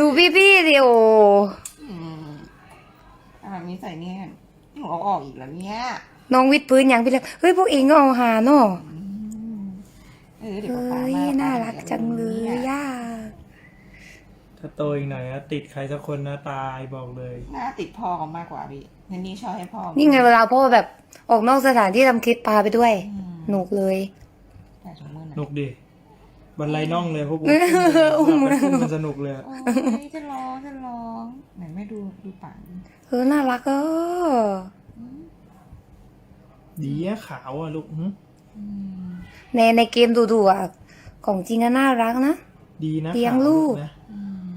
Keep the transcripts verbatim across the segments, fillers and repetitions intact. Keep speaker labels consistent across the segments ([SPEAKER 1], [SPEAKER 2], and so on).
[SPEAKER 1] ดูพี่พี่ดิโอ
[SPEAKER 2] อืมอ่ามีใส่เนี่ยหนูเอาออกอีกแล้วเนี่ย
[SPEAKER 1] น้องวิดพื้นยังพี่เลยเฮ้ยพวกเองก็เอาหาเนาะ
[SPEAKER 2] เออเดี๋ยว
[SPEAKER 1] เฮ้
[SPEAKER 2] ป๊าป๊าย มา
[SPEAKER 1] น่า
[SPEAKER 2] ป๊
[SPEAKER 1] รักจังเลยย่า
[SPEAKER 3] ถ้าโตอีกหน่อยนะติดใครสักคนนะตายบอกเลย
[SPEAKER 2] หน้าติดพ่อเขามากกว่าพี่นันนี่ชอบให้พ่อ
[SPEAKER 1] นี่ไงเวลาพ่อแบบออกนอกสถานที่ทำคลิปพาไปด้วย
[SPEAKER 2] อืม
[SPEAKER 1] หนุกเลย
[SPEAKER 2] แต่ถุงมือห
[SPEAKER 3] ห
[SPEAKER 2] น่
[SPEAKER 3] นุ
[SPEAKER 2] อย
[SPEAKER 3] กดิบันไลน่องเลยพวกกู
[SPEAKER 1] อุ้ม
[SPEAKER 3] มันมันสนุกเลย
[SPEAKER 2] โอ้ยจะร้องจะร้องไหนไม่ดูดูปาก
[SPEAKER 1] เออน่ารักเออ
[SPEAKER 3] ดีอะขาวอะลูกหึ
[SPEAKER 2] อืม
[SPEAKER 1] ในในเกมดูๆอ่ะของจริงก็น่ารักนะ
[SPEAKER 3] ดีนะ
[SPEAKER 1] เลี้ยง
[SPEAKER 3] ขาว
[SPEAKER 1] ลูก
[SPEAKER 3] นะ
[SPEAKER 2] อืม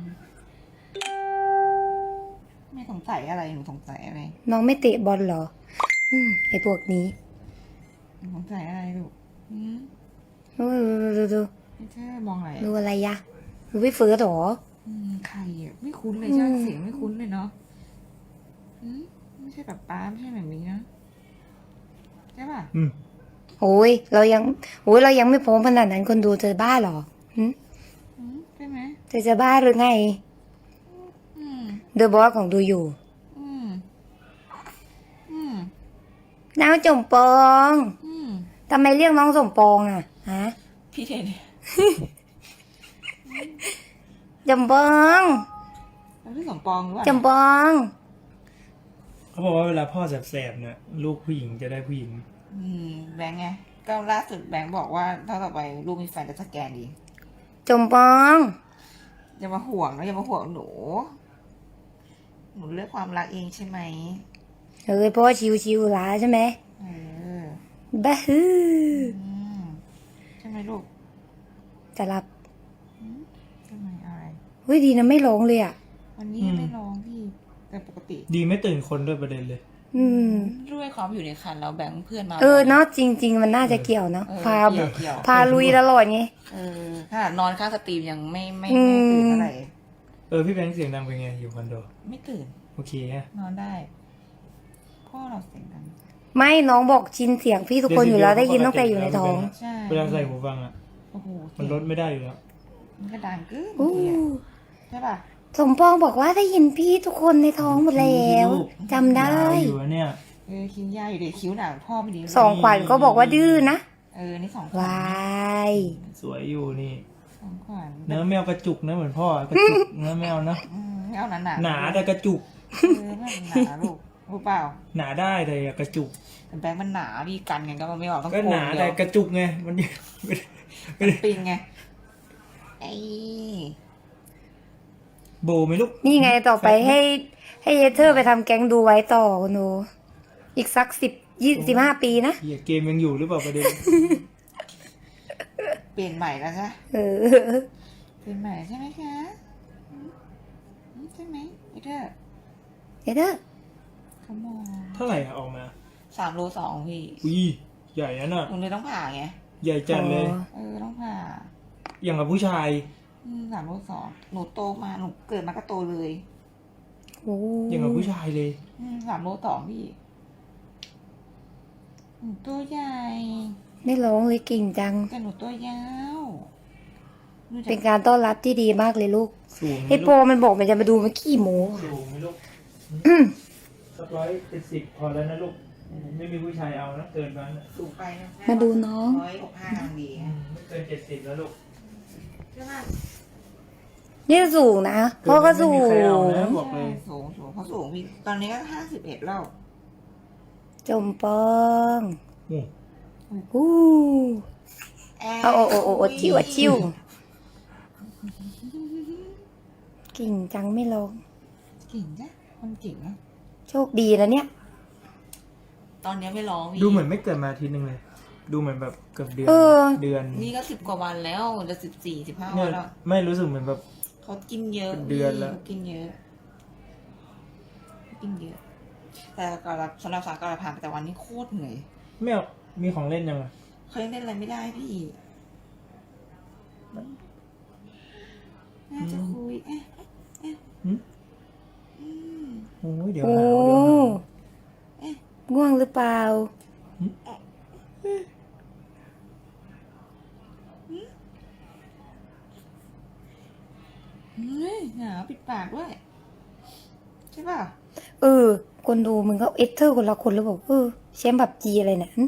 [SPEAKER 2] ไม่สงสัยอะไรหนูสงสัยอะไร
[SPEAKER 1] น้องไม่เตะบอลเหรอ อืมไอพวกนี้
[SPEAKER 2] หนูสงสัยอะไรลูกอืม
[SPEAKER 1] ดูดูดูดู
[SPEAKER 2] ไม่ใช่มองอะไร
[SPEAKER 1] ดูอะไรยะดูพี่เฟิร์สเหรอ
[SPEAKER 2] อืมใครอ่ะไม่คุ้นเลยใช่ไหมเสียงไม่คุ้นเลยเนาะอืมไม่ใช่แบบป้าไม่ใช่แบบนี้นะใช่ป่ะ
[SPEAKER 3] อืม
[SPEAKER 1] โอ้ยเรายังโอ้ยเรายังไม่พร้อมขนาดนั้นคนดูเธอบ้าเหรอหึ
[SPEAKER 2] อืมใช่ไหม
[SPEAKER 1] เธอจะบ้าหรือไง
[SPEAKER 2] อืม
[SPEAKER 1] เดอะบอสของดูอยู่
[SPEAKER 2] อืมอืม
[SPEAKER 1] น้องจมปอง
[SPEAKER 2] อืม
[SPEAKER 1] ทำไมเรียกน้องสมปองอ่ะฮะ
[SPEAKER 2] พี่เทน
[SPEAKER 1] จมปอง
[SPEAKER 2] แล้วพี่สมปองหรือเปล่า
[SPEAKER 1] จมปอง
[SPEAKER 3] เขาบอกว่าเวลาพ่อแสบๆเนี่ยลูกผู้หญิงจะได้ผู้หญิง
[SPEAKER 2] อืมแบงค์ไงก็ล่าสุดแบงค์บอกว่าถ้าต่อไปลูกมีแฟนจะสแกนดี
[SPEAKER 1] จมปอง
[SPEAKER 2] อย่ามาห่วงนะอย่ามาห่วงหนู หนูเลือกความรักเองใช่ไหม
[SPEAKER 1] เอ้ยพ่อชิวชิวๆล้าใช่ไหม
[SPEAKER 2] เออ
[SPEAKER 1] บ้าฮือ
[SPEAKER 2] อืมใช่ไหมลูก
[SPEAKER 1] จะรับ
[SPEAKER 2] ใช่ไหมอะไร
[SPEAKER 1] เฮ้ยดีนะไม่ร้องเลยอ่ะ
[SPEAKER 2] วันนี้ไม่ร้องพี่ แต่ปกติ
[SPEAKER 3] ดีไม่ตื่นคนด้วยประเด็นเลย
[SPEAKER 1] อืม
[SPEAKER 2] ด้วยความอยู่ในคันแล้วแบงค์เพื่อนมา
[SPEAKER 1] เออเนาะจริง ๆ มันน่าจะเกี่ยวเนาะ
[SPEAKER 2] เออ
[SPEAKER 1] พา
[SPEAKER 2] เกี่ยวเกี่ยว
[SPEAKER 1] พาลุยตลอดไง
[SPEAKER 2] เออขนาดนอนข้างสตรีมยังไม่ไม่
[SPEAKER 1] อื
[SPEAKER 2] ไม่
[SPEAKER 1] ม
[SPEAKER 2] ตื่นเท่าไหร่
[SPEAKER 3] เออพี่แบงค์เสียงดังเป็นไงอยู่คอนโด
[SPEAKER 2] ไม่ตื่น
[SPEAKER 3] โอเคฮะ
[SPEAKER 2] นอนได้พ่อเราเสียงดัง
[SPEAKER 1] ไม่น้องบอกชินเสียงพี่ทุกคนอยู่แล้วได้ยินตั้งแต่อยู่ในท้อง
[SPEAKER 2] ใช่
[SPEAKER 3] เวลาใส่หูฟังอะ
[SPEAKER 2] โอ้โห
[SPEAKER 3] มันลดไม่ได้อยู่แล้ว
[SPEAKER 2] มันก็ดังกึ้ง
[SPEAKER 1] อู้
[SPEAKER 2] ใช่ป่ะ
[SPEAKER 1] สมปองบอกว่าได้ยินพี่ทุกคนในท้องหมดแล้วจำได้
[SPEAKER 3] ยาวอยู่อะเนี่ย
[SPEAKER 2] เออคิ้วยาอยู่เด็กคิ้วหนาพ่อไม่ดี
[SPEAKER 1] สองขวัญก็บอกว่าดื้อนะ
[SPEAKER 2] เออนี่สองข
[SPEAKER 1] ว
[SPEAKER 2] วัญ
[SPEAKER 1] าย
[SPEAKER 3] สวยอยู่นี่
[SPEAKER 2] สองขวัญ
[SPEAKER 3] เนื้อแมวกระจุกนะเหมือนพ่อกระจุก เนื้อแมวนะ
[SPEAKER 2] อืมไม่เอาหนาหนา
[SPEAKER 3] หนาแต่กระจุก
[SPEAKER 2] เออไม่หนาลูกรู้เปล่า
[SPEAKER 3] หนาได้แต่อย่ากระจุก
[SPEAKER 2] แต่แบงค์มันหนาพี่กันไงก็มันไม่ออกต้อง
[SPEAKER 3] ก็
[SPEAKER 2] โก
[SPEAKER 3] ห
[SPEAKER 2] ง
[SPEAKER 3] นา
[SPEAKER 2] เดี
[SPEAKER 3] แต่
[SPEAKER 2] ยว
[SPEAKER 3] กระจุกไงมันไม่ได้ไม่ได้
[SPEAKER 2] ปิงไงไอ้
[SPEAKER 3] โบไหมลูก
[SPEAKER 1] นี่ไงต่อไปให้ ให้เยเธอร์ไปทำแก๊งดูไว้ต่อคุณหนูอีกสักสิบยี่สิบห้าปีนะ
[SPEAKER 3] เหี้ยเกมยังอยู่หรือเปล่าประเด็น
[SPEAKER 2] เปลี่ยนใหม่แล้วใช่
[SPEAKER 1] เออ
[SPEAKER 2] เปลี่ยนใหม่ใช่ไหมคะอืมอืมใช่ไหมไอ้เธอ
[SPEAKER 1] เยเธอร์
[SPEAKER 2] ขโมย
[SPEAKER 3] เท่าไหร่อะออกมา
[SPEAKER 2] สามโลสองพี่
[SPEAKER 3] อุ้ยใหญ่นะน่ะ
[SPEAKER 2] หนูเลยต้องผ่าไง
[SPEAKER 3] ใหญ่จัดเลย
[SPEAKER 2] เออต้องผ่า
[SPEAKER 3] อย่างกับผู้ชาย
[SPEAKER 2] อืมสามโลสองหนูโตมาหนูเกิดมาก็โตเลย
[SPEAKER 1] โอ้
[SPEAKER 3] อย่างกับผู้ชายเลย
[SPEAKER 2] อืมสามโลสองพี่หนูตัวใหญ่
[SPEAKER 1] ไม่ร้องเลยเก่งจัง
[SPEAKER 2] แต่หนูตัวยาวหนูจะ
[SPEAKER 1] เป็นการต้อนรับที่ดีมากเลยลูก
[SPEAKER 3] สูงไหม
[SPEAKER 1] ไอโป
[SPEAKER 3] ลูก
[SPEAKER 1] มันบอกมันจะมาดูมันขี้โม้
[SPEAKER 3] สูงไหมลูกสักร้อยเจ็ดสิบพอแล้วนะลูก ไม่มีผู้ชายเอานะเกินนั้นน่ะ
[SPEAKER 2] สูงไปนะ
[SPEAKER 1] มาดูน้อง
[SPEAKER 2] ร้อยหกห้าดี
[SPEAKER 3] อืมไม่เกินเจ็ดสิบแล้วลูก
[SPEAKER 2] ใช่ไหม
[SPEAKER 1] นี่สูงนะพ่อก็สู
[SPEAKER 3] ไม่มีใครเอา
[SPEAKER 1] ง
[SPEAKER 3] นะบอกเลย
[SPEAKER 2] สูงสูงเขาสูงพี่ตอนนี้ก็ห้าสิบเอ็ดแล้ว
[SPEAKER 1] จมปอง
[SPEAKER 3] โอ้
[SPEAKER 1] อู้เอาโอ้โอ้โอ้โอ้ชิวอะชิวเก่งจังไม่ร้อง
[SPEAKER 2] เก่งจ้ะคนเก่งนะ
[SPEAKER 1] โชคดีนะเนี่ย
[SPEAKER 2] ตอนนี้ไม่ร้องพี่
[SPEAKER 3] ดูเหมือนไม่เกิดมาอาทีนึงเลย ดูเหมือนแบบเกือบเดือน
[SPEAKER 1] เออ
[SPEAKER 3] เดือน
[SPEAKER 2] นี่ก็สิบกว่าวันแล้วจะสิบสี่สิบห้า
[SPEAKER 3] เนี่
[SPEAKER 2] วั
[SPEAKER 3] ย
[SPEAKER 2] นแล้ว
[SPEAKER 3] ไม่รู้สึกเหมือนแบบ
[SPEAKER 2] เขากินเยอะ
[SPEAKER 3] เป็นเดือนแล้ว
[SPEAKER 2] เขากินเยอะกินเยอะ แต่ก่อนสำหรับสารก่อนผ่านไปแต่วันนี้โคตรเหนื่อย
[SPEAKER 3] ไม่เอามีของเล่นยังไง
[SPEAKER 2] เขายังเล่นอะไรไม่ได้พี่น่าจะคุยเอ๊ะเอ๊ะอืม
[SPEAKER 3] โอ้ยเดี๋ยว
[SPEAKER 1] โอ้
[SPEAKER 3] หนาวเดี๋ยวหนาว
[SPEAKER 1] ง่วงหรือเปล่า
[SPEAKER 2] เฮ้ยยหนาวปิดปากด้วยใช่ป่ะ
[SPEAKER 1] เออ คนดูมึงก็เอสเธอร์คนละคนแล้วบอกเออแชมป์แบบจีอะไรเนี่ย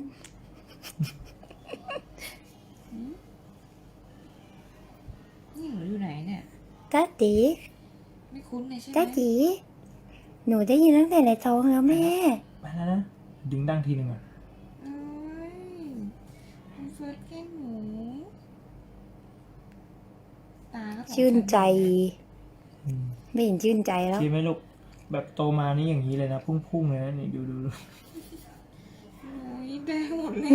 [SPEAKER 2] นี่หนูอยู่ไหนเนี่ย
[SPEAKER 1] จ้าจี
[SPEAKER 2] ไม่คุ้นเลยใช่ไหม
[SPEAKER 1] จ้าจีหนูได้ยินตั้งแต่ในท้องแล้วแม่
[SPEAKER 3] ไปแล้วนะดึงดังทีหนึ่งอ่ะ
[SPEAKER 2] เอ้ยคุณเฟิร์สแกล้งหนูตาก็สงสาร
[SPEAKER 1] ชื่นใจ
[SPEAKER 3] อืม
[SPEAKER 1] ไม่เห็นชื่นใจแล้ว
[SPEAKER 3] คิดไหมลูกแบบโตมานี่อย่างนี้เลยนะพุ่งๆเลยนะนี่ดูดูดู
[SPEAKER 2] โอ้ยแดงหมดเลย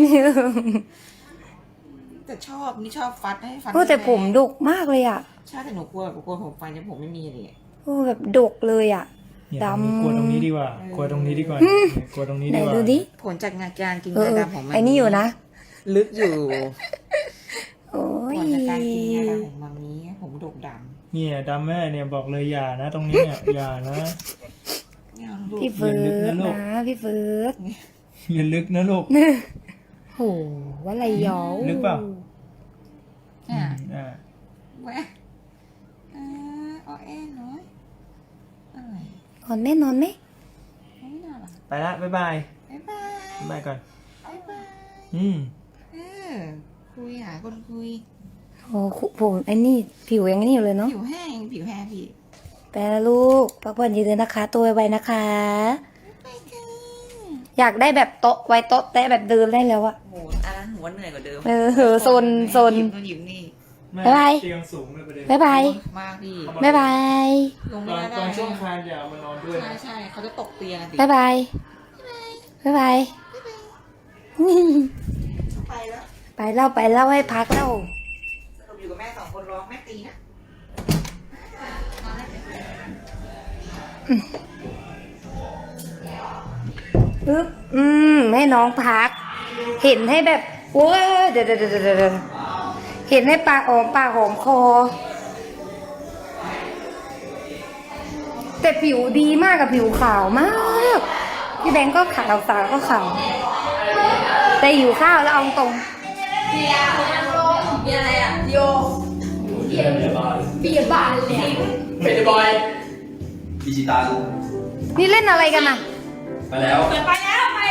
[SPEAKER 2] แต่ชอบนี่ชอบฟัดให้ฟัน
[SPEAKER 1] โอ้แต่ผมดกมากเลยอ่ะ
[SPEAKER 2] ใช่แต่หนูกลัวหนูกลัวผมฟันจะผมไม่มีเลย
[SPEAKER 1] โอ้แบบดกเลยอ่ะ
[SPEAKER 3] เนี่ย
[SPEAKER 1] ดำ
[SPEAKER 3] กลัวตรงนี้ดีกว่ากลัวตรงนี้ดีกว่าเนี่ยกลัวตรงนี้
[SPEAKER 1] ไหน
[SPEAKER 3] ดีกว่า
[SPEAKER 1] ดูดิ
[SPEAKER 2] ผลจากงานการกินา
[SPEAKER 1] เอยอ
[SPEAKER 2] ดำของมัน
[SPEAKER 1] ไอ้นี่อยู่นะ
[SPEAKER 2] ลึกอยู่
[SPEAKER 1] โอ้ย
[SPEAKER 2] ผลจากการกินยาดำของมันนี้ผมดกด
[SPEAKER 3] เนี่ยดำแม่เนี่ยบอกเลยอย่านะ ตรงนี้เนี่ยอย่านะ
[SPEAKER 2] ำเนี่ยดู
[SPEAKER 1] พี่เฟิร์
[SPEAKER 3] อย่าลึก
[SPEAKER 1] ส
[SPEAKER 3] นะลูก
[SPEAKER 1] นะพี่เฟิร์ส
[SPEAKER 3] อย่าลึกนะลูก
[SPEAKER 1] โหว่าอะไรยอ
[SPEAKER 3] ลึกเปล่า
[SPEAKER 2] อ่ะ
[SPEAKER 3] อ่า
[SPEAKER 2] แหวะอ่าอ้อแอนน้อยอะไร
[SPEAKER 1] นอนไหมนอนไหม
[SPEAKER 2] ไม่น่าหรอ
[SPEAKER 3] ไปละบ๊ายบาย
[SPEAKER 2] บ๊ายบาย
[SPEAKER 3] บ๊ายบายก่อน
[SPEAKER 2] บ๊ายบาย
[SPEAKER 3] อืม
[SPEAKER 2] เออคุยหาคนคุย
[SPEAKER 1] โอ้โหผมไอ้นี่ผิวยังนี่อยู่เลยเนาะ
[SPEAKER 2] ผิวแห้งผิวแห้งพี่
[SPEAKER 1] ไปแล้วลูกพักผ่อนเยอะๆนะคะ ตัวไวๆนะคะ
[SPEAKER 2] ไปกัน
[SPEAKER 1] อยากได้แบบโต๊ะไว้โต๊ะแตะแบบเดินได้แล้วอะ
[SPEAKER 2] โหอันนั้นหัวเหนื่อยกว่าเดิม
[SPEAKER 1] เออโซนโซน
[SPEAKER 2] หยิบนู่นหยิบนี่
[SPEAKER 3] แม่
[SPEAKER 1] บ๊ายบาย
[SPEAKER 3] เตียงสูงเลยประเด็น
[SPEAKER 1] บ๊ายบาย
[SPEAKER 2] มากพี่
[SPEAKER 1] บ๊ายบาย
[SPEAKER 2] ลง
[SPEAKER 3] ต
[SPEAKER 2] ไม่
[SPEAKER 3] อน
[SPEAKER 2] ได้
[SPEAKER 3] ตอนช่วงคานอย่าเอามานอนด้วย
[SPEAKER 2] ใช่
[SPEAKER 3] นะ
[SPEAKER 2] ใช่เขาจะตกเตียงอะดิ
[SPEAKER 1] บ๊ายบายบ๊ายบาย
[SPEAKER 2] ไปแล้ว
[SPEAKER 1] ไปเล่าไปเล่าให้พักเล่า
[SPEAKER 2] สรุปอยู่กับแม่สองคนร้องแม่ตีนะ
[SPEAKER 1] ปึ๊บอืมให้น้องพัก เห็นให้แบบโอ้ยเดี๋ยวเดี๋ยวเดี๋ยวเดี๋ยวเห็นให้ปากหอมปากหอมคอ แต่ผิวดีมากกับผิวขาวมาก พี่แบงก์ก็ขาวสาวก็ขาว แต่หิวข้าวแล้วเอาตรง
[SPEAKER 4] มีอะไรอ่ะโยเบียร์บานเบียร์บานเลย
[SPEAKER 5] เฟสบอยดิจิตอล
[SPEAKER 1] นี่เล่นอะไรกันอ่ะ
[SPEAKER 5] ไปแล้ว
[SPEAKER 4] ไปแล้วไป